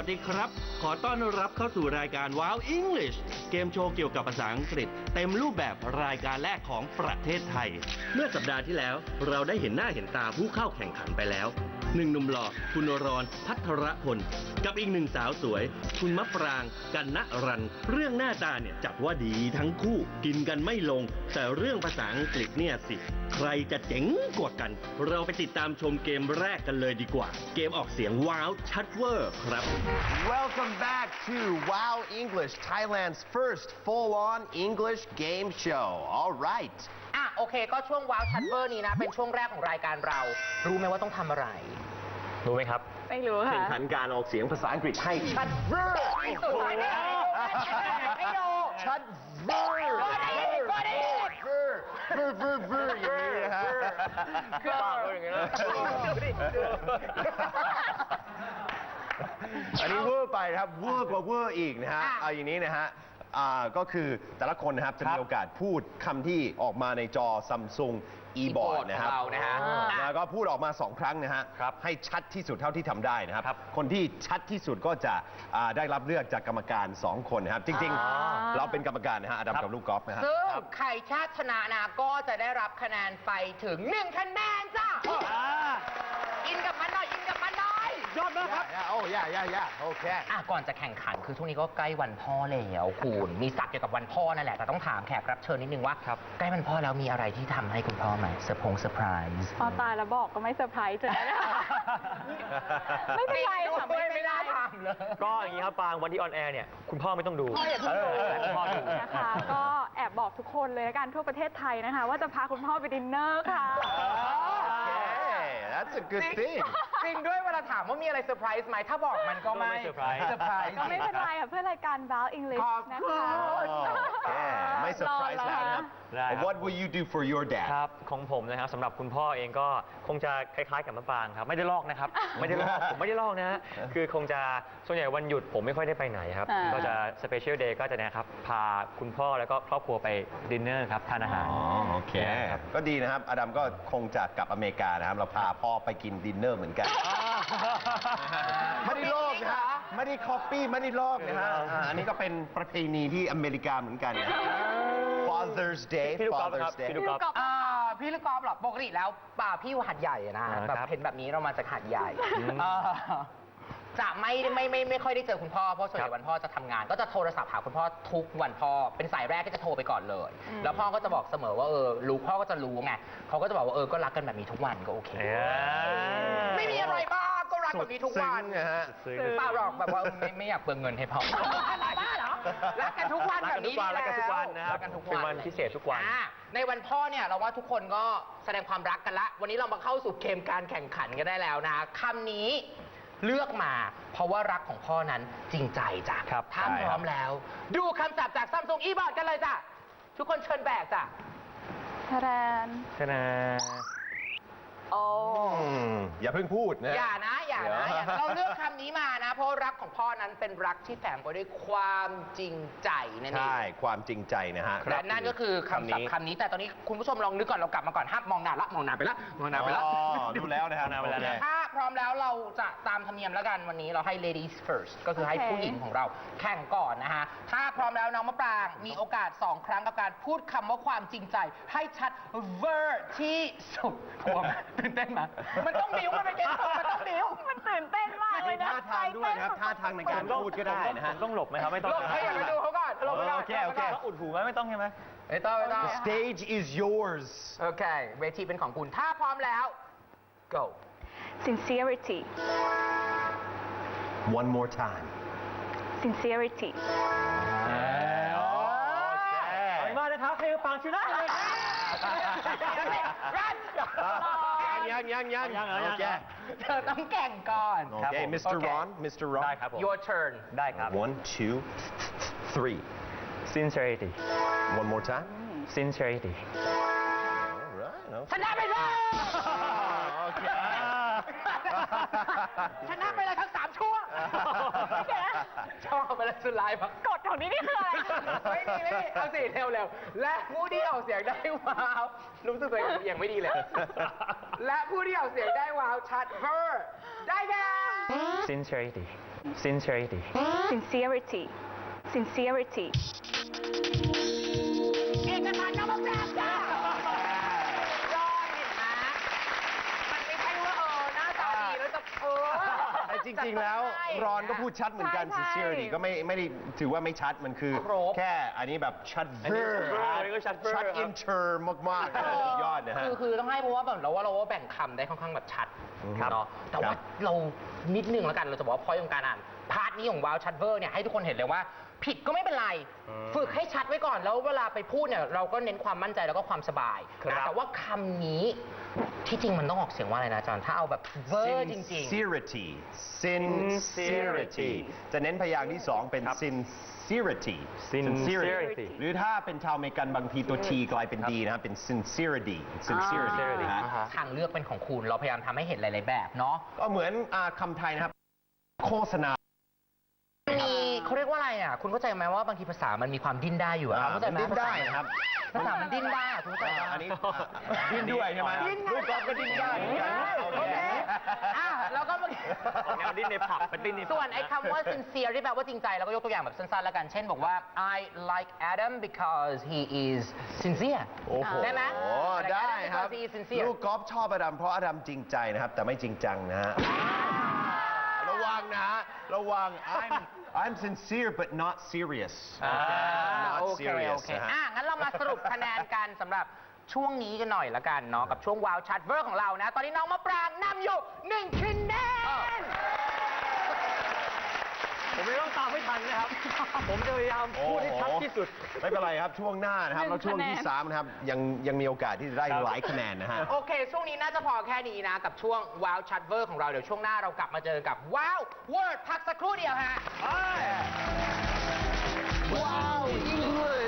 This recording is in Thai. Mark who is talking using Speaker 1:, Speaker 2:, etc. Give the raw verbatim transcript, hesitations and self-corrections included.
Speaker 1: สดีครับขอต้อนรับเข้าสู่รายการ Wow English เกมโชว์เกี่ยวกับภาษาอังกฤษเต็มรูปแบบรายการแรกของประเทศไทยเมื่อสัปดาห์ที่แล้วเราได้เห็นหน้าเห็นตาผู้เข้าแข่งขันไปแล้วหนึ่งหนุ่มหล่อคุณรอนภัทรพลกับอีกหนึ่งสาวสวยคุณมะปรางกันณรันเรื่องหน้าตาเนี่ยจัดว่าดีทั้งคู่กินกันไม่ลงแต่เรื่องภาษาอังกฤษเนี่ยสิใครจะเจ๋งกว่ากันเราไปติดตามชมเกมแรกกันเลยดีกว่าเกมออกเสียงว้าวชัดเวอร์ครับ
Speaker 2: Welcome back to Wow English, Thailand's first full-on English game show. All right.
Speaker 3: อ่ะโอเคก็ช่วงว้าวชัดเวอร์นี้นะเป็นช่วงแรกของรายการเรา รู้ไหมว่าต้องทำอะไร
Speaker 4: รู้ไหมครับ
Speaker 5: ไม่รู้ค่ะ
Speaker 2: แข่งขันการออกเสียงภาษาอังกฤษให้ชัดเวอร์
Speaker 3: ที่สุดเลยนะให้ดู
Speaker 2: ชัดเวอร์
Speaker 3: ก็ได้ก็ได้
Speaker 2: เวอร์เวอร์เวอร์เวอร์อย่างนี้นะฮะ
Speaker 3: คือปากอย่างเงี้ย
Speaker 2: อันนี้เวอร์ไปนะครับเวอร์กว่าเวอร์อีกนะฮะเอาอย่างนี้นะฮะอ่าก็คือแต่ละคนนะครับจะมีโอกาสพูดคำที่ออกมาในจอ Samsung e-board นะครับ
Speaker 3: เรานะฮะ
Speaker 2: แล้วก็พูดออกมาสองครั้งนะฮะให้ชัดที่สุดเท่าที่ทำได้นะครับคนที่ชัดที่สุดก็จะอ่าได้รับเลือกจากกรรมการสองคนนะครับจริงๆ เราเป็นกรรมการนะฮะอดัมกับลูกกอล์ฟนะฮะ
Speaker 3: ซึ่งใครชาติชนะนะก็จะได้รับคะแนนไปถึงหนึ่งคะแนนจ้ะอินกับมันหน่อยอินกับมันหน่อย
Speaker 2: ยอดมากครับโอ้ยย่าย่าโอเค
Speaker 3: อ่ะก่อนจะแข่งขันคือช่วงนี้ก็ใกล้วันพ่อแล้วคุณมีศักดิ์เกี่ยวกับวันพ่อนั่นแหละแต่ต้องถามแขกรับเชิญนิดนึงว่าใกล้วันพ่อแล้วมีอะไรที่ทำให้คุณพ่อไหมเซอร์พงเซอร์ไพรส์
Speaker 5: พอตายแล้วบอกก็ไม่เซอร์ไพรส์เลยนะไม่เป็นไรค่ะไม่เป็นไร
Speaker 4: ก็อย่างนี้ครับปางวันที่ออนแอร์เนี่ยคุณพ่อไม่ต้องดู
Speaker 5: พ่ออย่าเพิ่งดู
Speaker 4: แต่คุณพ่อดู
Speaker 5: นะคะก็แอบบอกทุกคนเลยละกันทั่วประเทศไทยนะคะ ว่าจะพาคุณพ่อไปดินเนอร์ค่ะ
Speaker 2: That's a good thing
Speaker 3: จริงด้วยเวลาถามว่ามีอะไรเซอร์ไพรส์ไหมถ้าบอกมันก็ไม่
Speaker 4: ไม่เซอร์ไพรส์
Speaker 3: เซอร์ไพรส์
Speaker 5: ก็ไม่เป็นไรค่ะเพื่อรายการ Wow English
Speaker 3: ขอบ
Speaker 5: นะ
Speaker 3: คุณ
Speaker 5: คะ
Speaker 2: โอเคไม่เซอร์ไพรส์แล้วนะครับ
Speaker 4: ได้ครับ
Speaker 2: What will you do for your dad
Speaker 4: ครับของผมนะครับสำหรับคุณพ่อเองก็คงจะคล้ายๆกับมะปรางครับไม่ได้ลอกนะครับ ไม่ได้ลอกผมไม่ได้ลอกนะฮะคือคงจะส่วนใหญ่วันหยุดผมไม่ค่อยได้ไปไหนครับ
Speaker 5: อ่า
Speaker 4: ก็จะสเปเชียลเดย์ก็จะเนะครับพาคุณพ่อแล้วก็ครอบครัวไปดินเนอร์ครับทานอาหาร
Speaker 2: อ๋อโอเค
Speaker 4: ครับ
Speaker 2: ก็ดีนะครับ อดัมก็คงจะกลับอเมริกานะครับ เราพาพ่อไปกินดินเนอร์เหมือนกัน ไม่ได้ลอกนะฮะไม่ได้คอปปี้ไม่ได้ลอกนะฮะอ่าอันนี้ก็เป็นประเพณีที่อเมริกาเหมือนกันนะ Father's Day
Speaker 4: พี่ลูกกอล์ฟครับ
Speaker 2: Father's Day
Speaker 4: พี่ลูกกอล์ฟ
Speaker 3: อ่าพี่ลูกกอล์ฟหรอปกติแล้วป่าพี่อยู่หัดใหญ่อะนะ
Speaker 4: อ่า
Speaker 3: แบบ
Speaker 4: ครับ
Speaker 3: เห็นแบบนี้เรามาจากหัดใหญ่
Speaker 4: อืม
Speaker 3: เอ่อจะไม่ไม่ไม่ไม่ค่อยได้เจอคุณพ่อเพราะส่วนให
Speaker 4: ครั
Speaker 3: ญ่
Speaker 4: บ
Speaker 3: วันพ่อจะทำงาน ก็จะโทรศัพท์หาคุณพ่อทุกวันพ่อเป็นสายแรกก็จะโทรไปก่อนเลย แล้วพ่อก็จะบอกเสมอว่าเออรู้พ่อก็จะรู้ไงเขาก็จะบอกว่าเออก็รักกันแบบนี้ทุกวันก็โอเค
Speaker 4: เอ้ย
Speaker 3: ไม่มีอะไรบ้างก็รักแบบนี้ทุกวัน
Speaker 2: ซึ้งนะฮะ
Speaker 4: ซึ้ง
Speaker 3: เปล่าหรอกแบบว่าไม่ไม่อยากเปลืองเงินให้พ่อบ้าเหรอรักกันทุกวัน
Speaker 4: รัก
Speaker 3: แบ
Speaker 4: กับ นทุ
Speaker 3: นี้
Speaker 4: กวันรักกันทุกวันนะครับ
Speaker 3: รักกันทุก
Speaker 4: เป็น
Speaker 3: วั
Speaker 4: วัน นพิเศษทุกวัน
Speaker 3: อ่าในวันพ่อเนี่ยเราว่าทุกคนก็แสดงความรักกันละ วันนี้เรามาเข้าสู่เกมการแข่งขันกันได้แล้วนะคำนี้เลือกมา เพราะว่ารักของพ่อนั้นจริงใจจ้ะ
Speaker 4: ครับ
Speaker 3: ถ้า
Speaker 2: ใช่
Speaker 3: พ
Speaker 2: ครับ
Speaker 3: ร้อมแล้ว ดูคำศัพท์จากซัมซุงอีบอร์ดกันเลยจ้ะทุกคนเชิญแบกจ้ะ
Speaker 5: ทะแรน
Speaker 4: ชนะ
Speaker 5: โอ้
Speaker 2: อืมอย่าเพิ่งพูดนะ
Speaker 3: อย่านะอย่านะ
Speaker 2: เดี๋ยว
Speaker 3: อย่านะเราเลือกคำนี้มานะ เพราะรักของพ่อนั้นเป็นรักที่แฝงไปด้วยความจริงใจนั่นเอง
Speaker 2: ใช่ ความจริงใจนะฮะ
Speaker 3: และนั่นก็คือคำศัพท์คำนี้ แต่ตอนนี้คุณผู้ชมลองนึกก่อนเรากลับมาก่อนห้ามมองหน้าละมองหน้าไปละมองหน้าไปละ
Speaker 2: อ๋อดูแล้วนะครับ
Speaker 4: ดูแล้ว
Speaker 2: โอเค
Speaker 3: ถ้าพร้อมแล้วเราจะตามธรรมเนียมแล้วกันวันนี้เราให้ ladies first ก็คือให้
Speaker 5: โอเค
Speaker 3: ผู้หญิงของเราแข่งก่อนนะฮะ ถ้าพร้อมแล้วน้องมะปรางมีโอกาส สอง ครั้งกับการพูดคำว่าความจริงใจ ให้ชัดเวอร์ที่สุดกลัวไหมตื่นเต้นไหมมันต้องบิ้วมันเป็นเกมมันต้องบิ้ว
Speaker 5: มันตื่นเต้นมากเลยนะ
Speaker 2: ท่าทางด้วยนะครับท่าทางในการพูดก็ได้นะฮะ
Speaker 4: ผมต้องหลบไหมครับไม่ต้อง
Speaker 3: ลงให้ไปดูเขาก่อนลงไปก่อน
Speaker 2: โอเคโอเค
Speaker 4: ต้องอุดหูไหมไม่ต้องใช่ไหม
Speaker 3: ไม่ต้องไม่ต้อง
Speaker 2: The stage is yours
Speaker 3: โอเคเวทีเป็นของคุณถ้าพร้อมแล้ว go
Speaker 5: sincerity
Speaker 2: one more time
Speaker 5: sincerity
Speaker 4: เอามากนะครับให้ปังชนะเลย
Speaker 3: รัน
Speaker 2: ยังยังยัง
Speaker 4: ยังเหรอ
Speaker 2: โอเค
Speaker 3: เธอต้องแข่งก่อน
Speaker 2: โอ
Speaker 4: ครับ
Speaker 2: เค
Speaker 4: ผม
Speaker 2: มิสเตอร์
Speaker 3: โอเค
Speaker 2: รอน มิสเตอร์รอน
Speaker 4: ได้ครับผม
Speaker 3: your turn
Speaker 4: ได้ครับ
Speaker 2: one two three
Speaker 4: sincerity
Speaker 2: one more time
Speaker 4: sincerity
Speaker 2: alright
Speaker 3: ชนะไปเลย
Speaker 2: โอเค
Speaker 3: ชนะไปเลยทั้งสามช่วงชอบไปเลยสุดลายปะ
Speaker 5: กฎของนี้นี่คืออะไร
Speaker 3: ไม่มีไม่มีเอาสิเร็วเร็วและผู้ที่ออกเสียงได้ว้าวรู้สึกตัวเองยังไม่ดีเลย และผู้ที่ออกเสียงได้ว้าวชัดเวอร์ได้แก่
Speaker 4: sincerity sincerity
Speaker 5: sincerity sincerity
Speaker 3: เอกสารนามปราบจ้าจอเห็นไหมมันไม่ใช่ว่าเออหน้าตาดีแล้วจะเออ
Speaker 2: แต่จริง ๆ แล้วรอนก็พูดชัดเหมือนกัน
Speaker 5: ใช่
Speaker 2: sincerity ก็ไม่ไม่ได้ถือว่าไม่ชัดมันคือ
Speaker 3: ครบ
Speaker 2: แค่อันนี้แบบชัด
Speaker 4: อันนี้
Speaker 2: เวอร์
Speaker 4: ชัดเวอร์อันนี้ก็ชัดเวอร์
Speaker 2: ชัด
Speaker 4: ครับ
Speaker 2: อินเตอร์มากๆนะสุดยอดนะฮะ
Speaker 3: คือคือต้องให้เพราะว่าแบบเราว่าเราว่าแบ่งคำได้ค่อนข้างแบบชัด
Speaker 2: ครับ
Speaker 3: เนาะแต่ว่า
Speaker 2: ครับ
Speaker 3: เรานิดนึงแล้วกันเราจะบอกว่าพอยของการอ่านพาร์ทนี้ของวาวชัดเวอร์เนี่ยให้ทุกคนเห็นเลยว่า ผิดก็ไม่เป็นไร ฝึกให้ชัดไว้ก่อนแล้วเวลาไปพูดเนี่ยเราก็เน้นความมั่นใจแล้วก็ความสบาย
Speaker 4: ครับ
Speaker 3: นะแต่ว่าคำนี้ที่จริงมันต้องออกเสียงว่าอะไรนะอาจารย์ถ้าเอาแบบเวอร์จริง
Speaker 2: sincerity sincerity จะเน้นพยางค์ที่สองเป็น sincerity
Speaker 4: sincerity
Speaker 2: หรือถ้าเป็นชาวอเมริกันบางทีตัว t กลายเป็น d นะครับเป็น sincerity sincerity นะฮะ
Speaker 3: ๆ ทางเลือกเป็นของคุณเราพยายามทำให้เห็นหลายๆแบบเนาะ
Speaker 2: ก็เหมือนอ่าคำไทยนะครับ โฆษณา
Speaker 3: มีเขาเรียกว่าอะไรอ่ะคุณเข้าใจไหมว่าบางทีภาษามันมีความดิ้นได้อยู่อะ
Speaker 2: อ่า
Speaker 3: เข้าใจไหม
Speaker 2: มันดิ้นได้นะครับ
Speaker 3: ภาษามันดิ้นได้อะคุณเข้าใจไหม
Speaker 2: อันนี้ดิ้นด้วยใช่ไหม
Speaker 3: ดิ้นไง
Speaker 2: ลูกกอล์ฟก็ดิ้นได้เหมือนกัน
Speaker 3: โอเคอ่ะแล้วก็เมื่อกี้
Speaker 4: ออกแนวดิ้นในผับเป็นดิ้นในผับ
Speaker 3: ส่วนไอ้คำว่า sincere ที่แปลว่าจริงใจเราก็ยกตัวอย่างแบบสั้นๆแล้วกัน เช่นบอกว่า I like Adam because he is sincere
Speaker 2: โอ้โห
Speaker 3: ได้ไหม
Speaker 2: โอ้ได้ครับ
Speaker 3: because he is sincere
Speaker 2: ลูกกอล์ฟชอบอดัมเพราะอดัมจริงใจนะครับ แต่ไม่จริงจังนะฮะ ระวังนะฮะ ระวัง I'm I'm sincere but not serious
Speaker 3: อ่า
Speaker 2: not
Speaker 3: โอเค
Speaker 2: serious
Speaker 3: โอเค
Speaker 2: นะฮะ
Speaker 3: อ่ะงั้นเรามาสรุปคะแนนกันสำหรับช่วงนี้กันหน่อยละกันเนาะกับช่วงวาวชัดเวอร์ของเรานะ ตอนนี้น้องมะปรางนำอยู่หนึ่งคะแนน
Speaker 4: ผมไม่ต้องตามไม่ทันนะครับ ผมจะพยายามพูดให้ชัดที่สุด
Speaker 2: ไม่เป็นไรครับ ช่วงหน้านะครับ
Speaker 5: หนึ่ง
Speaker 2: แล้วช่วงที่
Speaker 5: คะแนน
Speaker 2: สามนะครับ ยังยังมีโอกาสที่จะได้
Speaker 4: ครับ
Speaker 2: หลายคะแนนนะฮะ
Speaker 3: โอเค ช่วงนี้น่าจะพอแค่นี้นะ กับช่วงว้าวชัดเวอร์ของเรา เดี๋ยวช่วงหน้าเรากลับมาเจอกับว้าวเวิร์ดพักสักครู่เดียวฮะ
Speaker 2: ว้าว English